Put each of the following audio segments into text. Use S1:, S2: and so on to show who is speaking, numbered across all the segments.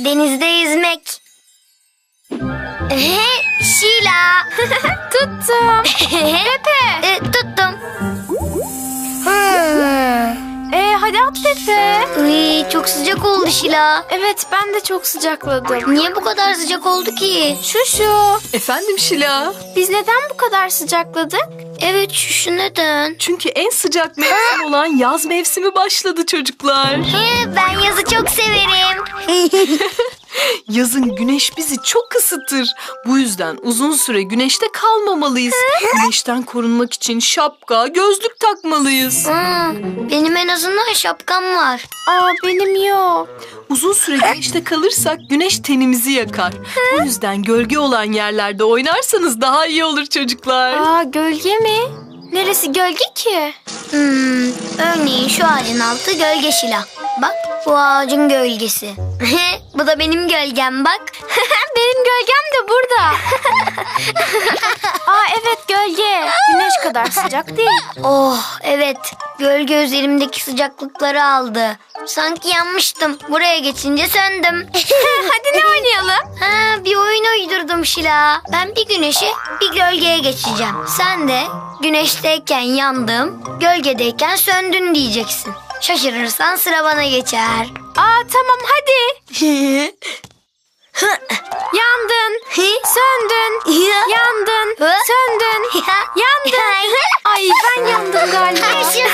S1: denizde yüzmek. Şila.
S2: Tuttum. Pepe.
S1: Tuttum.
S2: Hadi at Pepe.
S1: Uy, çok sıcak oldu Şila.
S2: Evet, ben de çok sıcakladım.
S1: Niye bu kadar sıcak oldu ki?
S2: Şuşu,
S3: Efendim Şila?
S2: biz neden bu kadar sıcakladık?
S1: Evet, şu neden?
S3: Çünkü en sıcak mevsim olan yaz mevsimi başladı çocuklar.
S1: Ben yazı çok severim.
S3: Yazın güneş bizi çok ısıtır. Bu yüzden uzun süre güneşte kalmamalıyız. Güneşten korunmak için şapka, gözlük takmalıyız.
S1: Benim en azından şapkam var.
S2: Benim yok.
S3: Uzun süre güneşte kalırsak güneş tenimizi yakar. Bu yüzden gölge olan yerlerde oynarsanız daha iyi olur çocuklar.
S2: Gölge mi? Neresi gölge ki?
S1: Örneğin şu ağacın altı gölge Şila. Bak, bu ağacın gölgesi. Bu da benim gölgem bak.
S2: Benim gölgem de burada. Evet, gölge. Güneş kadar sıcak değil.
S1: Oh evet, gölge üzerimdeki sıcaklıkları aldı. Sanki yanmıştım. Buraya geçince söndüm.
S2: Hadi ne oynayalım?
S1: Bir oyun uydurdum Şila. Ben bir güneşe bir gölgeye geçeceğim. Sen de güneşteyken yandım, gölgedeyken söndün diyeceksin. Şaşırırsan sıra bana geçer.
S2: Tamam hadi. Yandın, söndün, yandın, söndün, yandın. Ay, ben yandım galiba.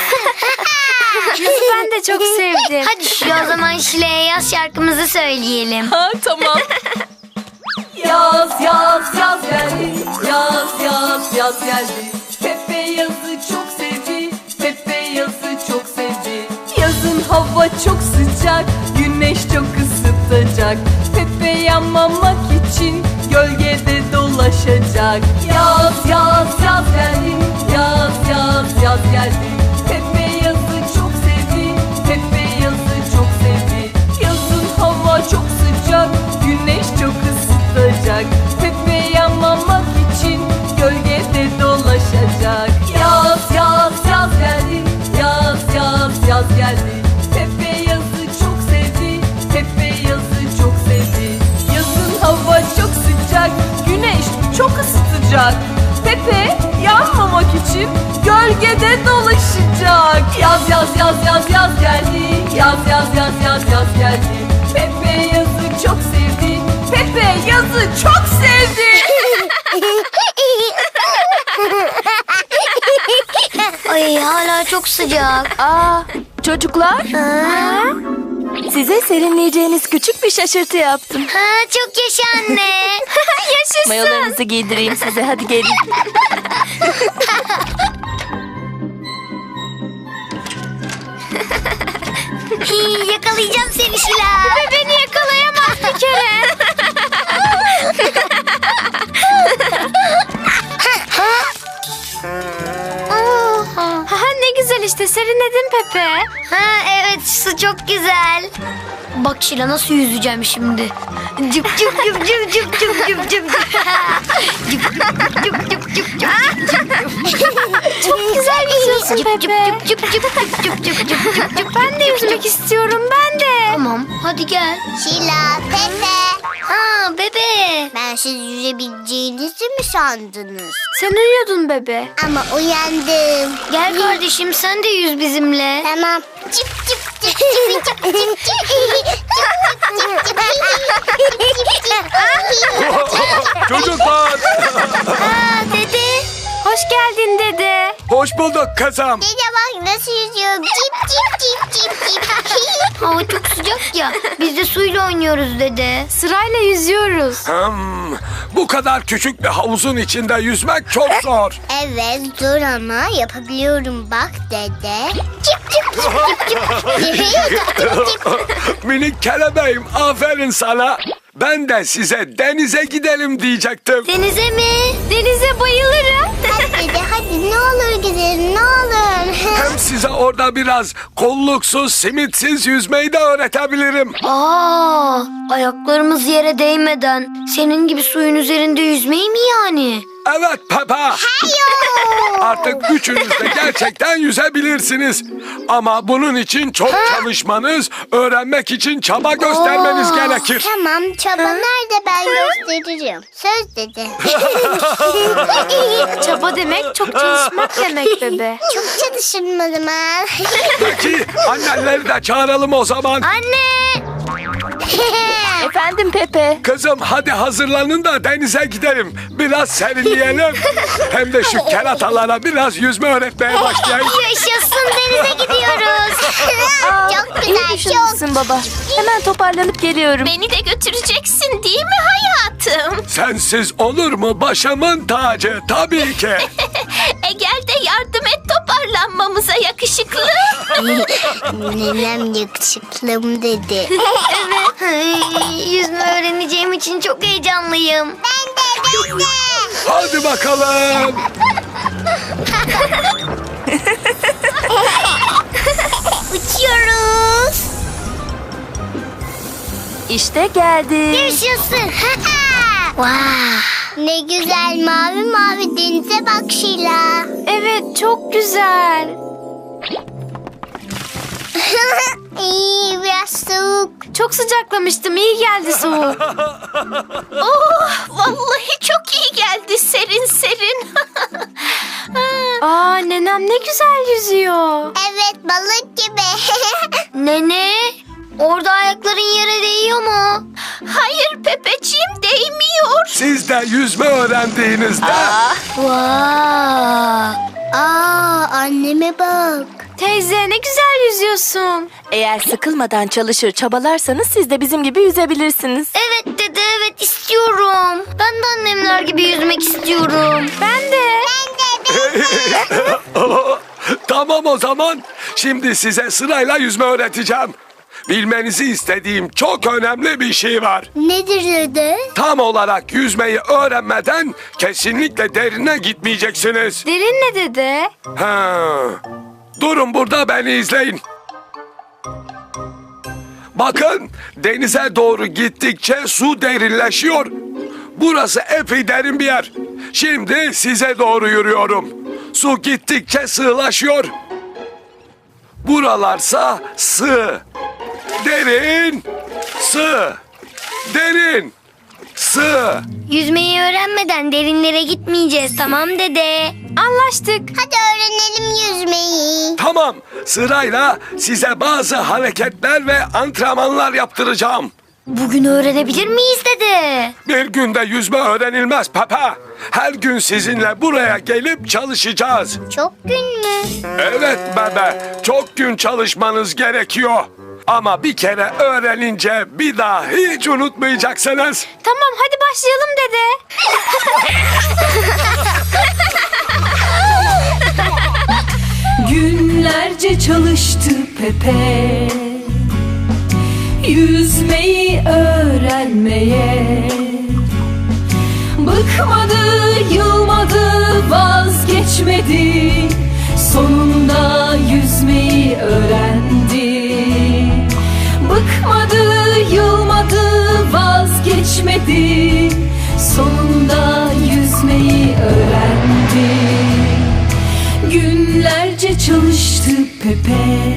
S2: Ben de çok sevdim.
S1: Hadi şu o zaman Şile'ye yaz şarkımızı söyleyelim.
S3: Tamam.
S4: Yaz yaz yaz geldi, yaz yaz yaz geldi. Pepe yazı çok sevdi, Pepe yazı çok sevdi. Yazın hava çok sıcak, güneş çok ısıtacak. Pepe yanmamak için gölgede dolaşacak. Yaz yaz yaz geldi, yaz yaz yaz geldi. Pepe yazı çok sevdi, Pepe yazı çok sevdi. Yazın hava çok sıcak, güneş çok ısıtacak. Pepe yanmamak için gölgede dolaşacak. Yaz yaz yaz geldi, yaz yaz yaz geldi. Pepe yazı çok sevdi, Pepe yazı çok sevdi. Yazın hava çok sıcak, güneş çok ısıtacak. Pepe yanmamak için gölgede dolaşacak. Yaz yaz yaz yaz yaz geldi, yaz yaz yaz yaz yaz geldi. Pepe yazı çok sevdi, Pepe yazı çok sevdi.
S1: Ay, hala çok sıcak.
S2: Çocuklar, size serinleyeceğiniz küçük bir şaşırtı yaptım.
S1: Çok yaşa anne.
S2: Yaşasın.
S3: Mayolarınızı giydireyim size, hadi gelin.
S1: Yakalayacağım seni Şila.
S2: Beni yakalayamaz bir kere. Ne güzel işte, serinledin Pepe.
S1: Evet, su çok güzel. Bak Şila, nasıl yüzeceğim şimdi. Cıp cıp cıp cıp cıp cıp cıp cıp. Cıp cıp cıp cıp cıp.
S2: Çok güzel yüzüyorsun
S1: Cıp cıp
S2: Pepe.
S1: cıp cıp cıp cıp cıp cıp cıp cıp.
S2: Ben de yüzmek istiyorum, ben de.
S1: Tamam, hadi gel.
S5: Şila, Pepe.
S1: Bebe.
S5: Ben siz yüzebileceğinizi mi sandınız?
S2: Sen uyuyordun bebe.
S5: Ama uyandım.
S1: Gel kardeşim, sen de yüz bizimle.
S5: Tamam. Cip cip cip cip cip cip
S6: Çocuklar,
S1: Dede.
S2: Hoş geldin dede.
S6: hoş bulduk kızım.
S5: Dede bak nasıl yüzüyorum. Cip cip cip cip cip.
S1: Hava çok sıcak ya. Biz de suyla oynuyoruz dede.
S2: Sırayla yüzüyoruz.
S6: Bu kadar küçük bir havuzun içinde yüzmek çok zor.
S5: Evet zor ama yapabiliyorum bak dede. Cip cip cip cip cip.
S6: Minik kelebeğim, aferin sana. Ben de size denize gidelim diyecektim.
S1: Denize mi?
S2: Denize bayılırım.
S5: Hadi dede hadi ne olur gidelim ne olur.
S6: Hem size orada biraz kolluksuz, simitsiz yüzmeyi de öğretebilirim.
S1: Ayaklarımız yere değmeden senin gibi suyun üzerinde yüzmeyi mi yani?
S6: Evet Peppa. Artık üçünüz de gerçekten yüzebilirsiniz. Ama bunun için çok çalışmanız, öğrenmek için çaba göstermeniz gerekir.
S5: Tamam, çaba nerede, ben gösteririm. Söz dedi.
S2: Çaba demek çok çalışmak demek bebe.
S5: Çok çalışırım o zaman.
S6: Peki annenleri de çağıralım o zaman.
S1: Anne!
S2: Efendim Pepe.
S6: Kızım hadi hazırlanın da denize gidelim. Biraz serinleyelim. Hem de şu keratalara biraz yüzme öğretmeye başlayayım.
S1: Yaşasın, denize gidiyoruz.
S5: Çok
S2: İyi
S5: güzel, çok.
S2: düşünmüşsün baba. Hemen toparlanıp geliyorum.
S7: Beni de götüreceksin değil mi hayatım?
S6: Sensiz olur mu başımın tacı? Tabii ki.
S7: Gel de yardım et toparlanmamıza yakışıklı.
S5: Nenem yakışıklım dedi.
S1: Yüzme öğreneceğim için çok heyecanlıyım.
S5: Ben de.
S6: Hadi bakalım.
S5: Uçuyoruz.
S2: İşte geldik.
S5: Yaşasın.
S1: Wow.
S5: Ne güzel mavi mavi denize bak Şila.
S2: Evet, çok güzel.
S5: İyi, biraz soğuk.
S2: Çok sıcaklamıştım. İyi geldi soğuk.
S7: Oh, vallahi çok iyi geldi serin serin.
S2: Aa, nenem ne güzel yüzüyor.
S5: Evet, balık gibi.
S1: Nene, orada ayakların yere değiyor mu?
S7: Hayır Pepeciğim değmiyor.
S6: Siz de yüzme öğrendiğinizde
S1: Wow.
S5: Anneme bak.
S2: Teyze ne güzel yüzüyorsun.
S8: Eğer sıkılmadan çalışır çabalarsanız siz de bizim gibi yüzebilirsiniz.
S1: Evet dede, evet istiyorum. Ben de annemler gibi yüzmek istiyorum.
S2: Ben de.
S6: tamam o zaman. Şimdi size sırayla yüzme öğreteceğim. Bilmenizi istediğim çok önemli bir şey var.
S5: Nedir dede?
S6: Tam olarak yüzmeyi öğrenmeden kesinlikle derine gitmeyeceksiniz.
S2: Derin ne dede?
S6: Ha. Durun burada beni izleyin. Bakın denize doğru gittikçe su derinleşiyor. Burası epey derin bir yer. Şimdi size doğru yürüyorum. Su gittikçe sığlaşıyor. Buralarsa sığ. Derin. Sığ. Derin. Sığ.
S1: Yüzmeyi öğrenmeden derinlere gitmeyeceğiz, tamam dede?
S2: Anlaştık.
S5: Hadi öğrenelim yüzmeyi.
S6: Tamam, sırayla size bazı hareketler ve antrenmanlar yaptıracağım.
S1: Bugün öğrenebilir miyiz dede?
S6: Bir günde yüzme öğrenilmez Peppa. Her gün sizinle buraya gelip çalışacağız.
S5: Çok gün mü?
S6: Evet bebe, çok gün çalışmanız gerekiyor. Ama bir kere öğrenince bir daha hiç unutmayacaksınız.
S2: Tamam, hadi başlayalım dede.
S4: Günlerce çalıştı Pepe, yüzmeyi öğrenmeye. Bıkmadı, yılmadı, vazgeçmedi. Sonunda yüzmeyi öğrendi. Bıkmadı, yılmadı, vazgeçmedi. Sonunda yüzmeyi öğrendi. Günlerce çalıştı Pepe,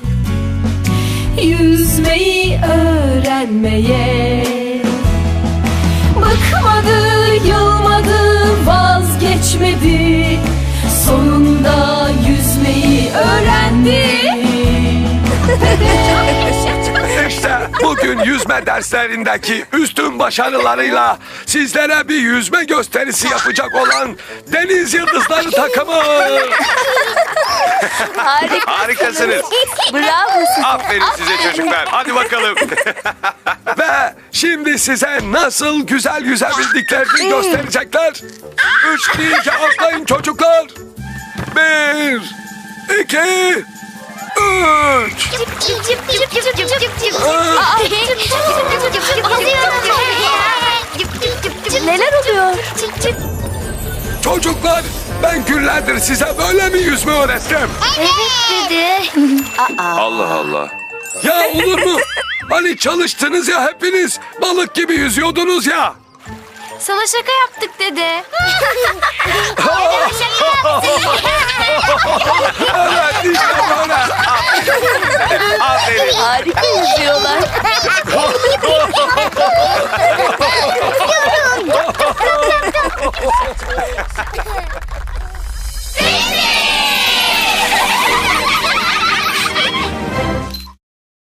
S4: yüzmeyi öğrenmeye. Bıkmadı, yılmadı, vazgeçmedi. Sonunda yüzmeyi öğrendi.
S6: İşte bugün yüzme derslerindeki üstün başarılarıyla sizlere bir yüzme gösterisi yapacak olan Deniz Yıldızları takımı. Harikasınız.
S8: Bravo.
S6: Aferin size çocuklar. Hadi bakalım. Ve şimdi size nasıl güzel yüzebildiklerini gösterecekler. 3 deyince atlayın çocuklar. 1, 2, 3.
S2: Neler oluyor?
S6: Çocuklar ben günlerdir size böyle mi yüzme öğrettim?
S1: Evet dede.
S6: Allah Allah. Ya olur mu? Hani çalıştınız ya hepiniz. Balık gibi yüzüyordunuz ya.
S2: Sana şaka yaptık dede.
S6: Evet işte böyle. Aferin.
S8: Harika yüzüyorlar.